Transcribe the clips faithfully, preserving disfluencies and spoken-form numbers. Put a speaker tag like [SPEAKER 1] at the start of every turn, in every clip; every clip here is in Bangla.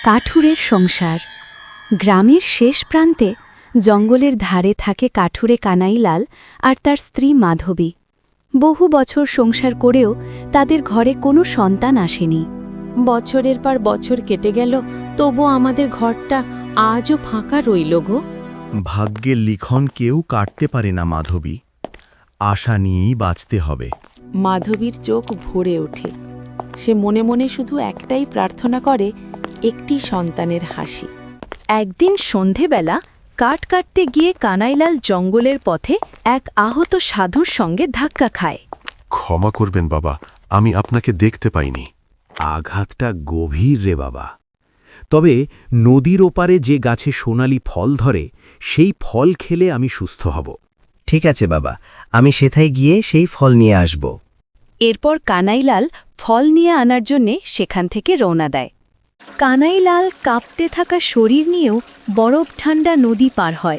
[SPEAKER 1] কাঠুরের সংসার। গ্রামের শেষ প্রান্তে জঙ্গলের ধারে থাকে কাঠুরে কানাইলাল আর তার স্ত্রী মাধবী। বহু বছর সংসার করেও তাদের ঘরে কোনো সন্তান আসেনি।
[SPEAKER 2] বছরের পর বছর কেটে গেল, তবু আমাদের ঘরটা আজও ফাঁকা রইল গো।
[SPEAKER 3] ভাগ্যের লিখন কেউ কাটতে পারে না মাধবী, আশা নিয়েই বাঁচতে হবে।
[SPEAKER 2] মাধবীর চোখ ভরে ওঠে। সে মনে মনে শুধু একটাই প্রার্থনা করে, একটি সন্তানের হাসি।
[SPEAKER 1] একদিন সন্ধেবেলা কাঠ কাটতে গিয়ে কানাইলাল জঙ্গলের পথে এক আহত সাধুর সঙ্গে ধাক্কা খায়।
[SPEAKER 4] ক্ষমা করবেন বাবা, আমি আপনাকে দেখতে পাইনি।
[SPEAKER 5] আঘাতটা গভীর রে বাবা। তবে নদীর ওপারে যে গাছে সোনালি ফল ধরে, সেই ফল খেলে আমি সুস্থ হব।
[SPEAKER 6] ঠিক আছে বাবা, আমি সেথায় গিয়ে সেই ফল নিয়ে আসব।
[SPEAKER 1] এরপর কানাইলাল ফল নিয়ে আনার জন্যে সেখান থেকে রওনা দেয়। কানাইলাল কাঁপতে থাকা শরীর নিয়েও বরফ ঠান্ডা নদী পার হয়।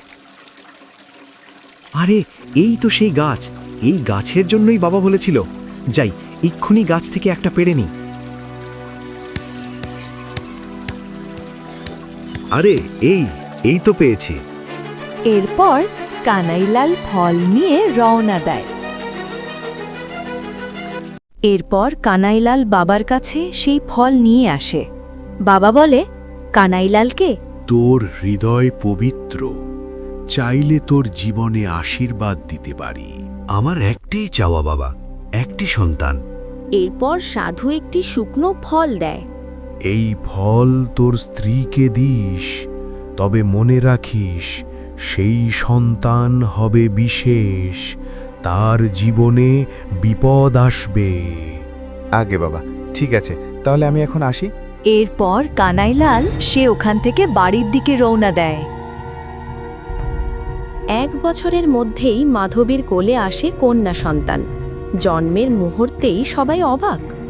[SPEAKER 5] আরে এই তো সেই গাছ, এই গাছের জন্যই বাবা বলেছিল। যাই, এক্ষুনি গাছ থেকে একটা পেড়ে নিই।
[SPEAKER 4] আরে এই এই তো পেয়েছি।
[SPEAKER 1] এরপর কানাইলাল ফল নিয়ে রওনা দেয়। এরপর কানাইলাল বাবার কাছে সেই ফল নিয়ে আসে। বাবা বলে, কানাইলালকে,
[SPEAKER 4] তোর হৃদয় পবিত্র, চাইলে তোর জীবনে আশীর্বাদ দিতে পারি।
[SPEAKER 5] আমার একটিই চাওয়া বাবা, একটি সন্তান।
[SPEAKER 1] এরপর সাধু একটি শুকনো ফল দেয়।
[SPEAKER 4] এই ফল তোর স্ত্রীকে দিস, তবে মনে রাখিস সেই সন্তান হবে বিশেষ, তার জীবনে বিপদ আসবে।
[SPEAKER 7] আগে বাবা, ঠিক আছে, তাহলে আমি এখন আসি।
[SPEAKER 1] এরপর কানাইলাল সে ওখান থেকে বাড়ির দিকে রওনা দেয়।
[SPEAKER 2] এক বছরের মধ্যেই মাধবীর কোলে আসে কন্যা সন্তান। জন্মের মুহূর্তেই সবাই অবাক।